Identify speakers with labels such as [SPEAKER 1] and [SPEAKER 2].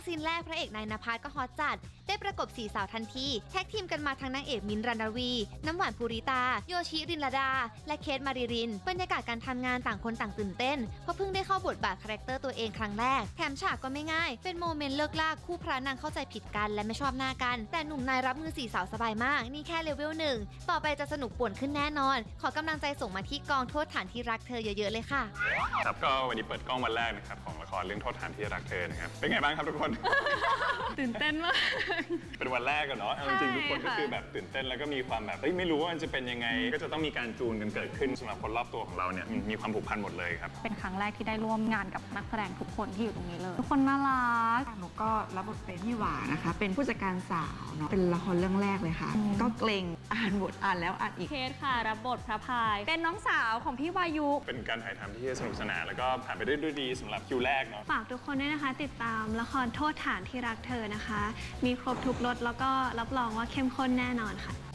[SPEAKER 1] ซีนแรกพระเอกนายณภัสก็ฮอตจัดได้ประกบ4 สาวทันทีแท็กทีมกันมาทั้งนางเอกมิ้นท์ รันวี น้ำหวานภูริตาโยชิรินลดาและเคทมาริรินบรรยากาศการทำงานต่างคนต่างตื่นเต้นเพราะเพิ่งได้เข้าบทบาทคาแรคเตอร์ตัวเองครั้งแรกแถมฉากก็ไม่ง่ายเป็นโมเมนต์เลิกลากคู่พระนางเข้าใจผิดกันและไม่ชอบหน้ากันแต่หนุ่มนายรับมือ4 สาวสบายมากนี่แค่เลเวล1ต่อไปจะสนุกป่วนขึ้นแน่นอนขอกำลังใจส่งมาที่กองโทษฐานที่รักเธอเยอะๆเลยค่ะ
[SPEAKER 2] ครับก็วันนี้เปิดกล้องวันแรกนะครับของละครเรื่องโทษฐานที่รักเธอนะครับเป็นไงบ้างครับทุกคน
[SPEAKER 3] ตื่นเต้นมาก
[SPEAKER 2] เป็นวันแรกกันเนาะจริงๆทุกคนก็คือแบบตื่นเต้นแล้วก็มีความแบบไม่รู้ว่ามันจะเป็นยังไงก็จะต้องมีการจูนกันเกิดขึ้นสำหรับคนรอบตัวของเราเนี่ยมีความผูกพันหมดเลยครับ
[SPEAKER 3] เป็นครั้งแรกที่ได้ร่วมงานกับนักแสดงทุกคนที่อยู่ตรงนี้เลยทุกคนน่ารัก
[SPEAKER 4] หนูก็รับบทเป็นพี่หวานะคะเป็นผู้จัดการสาวเนาะเป็นละครเรื่องแรกเลยค่ะก็เกรงอ่านบทอ่านแล้วอ่านอีก
[SPEAKER 3] เคสค่ะรับบทพระพายเป็นน้องสาวของพี่วายุ
[SPEAKER 2] เป็นการถ่ายทำที่สนุกสนานแล้วก็ผ่านไปด้วยดีสำหรับคิวแรกเนาะ
[SPEAKER 5] ฝากทุกคนด้วยนะคะติดตามละครโทษฐานที่รักเธอนะคะมีครบทุกรสแล้วก็รับรองว่าเข้มข้นแน่นอนค่ะ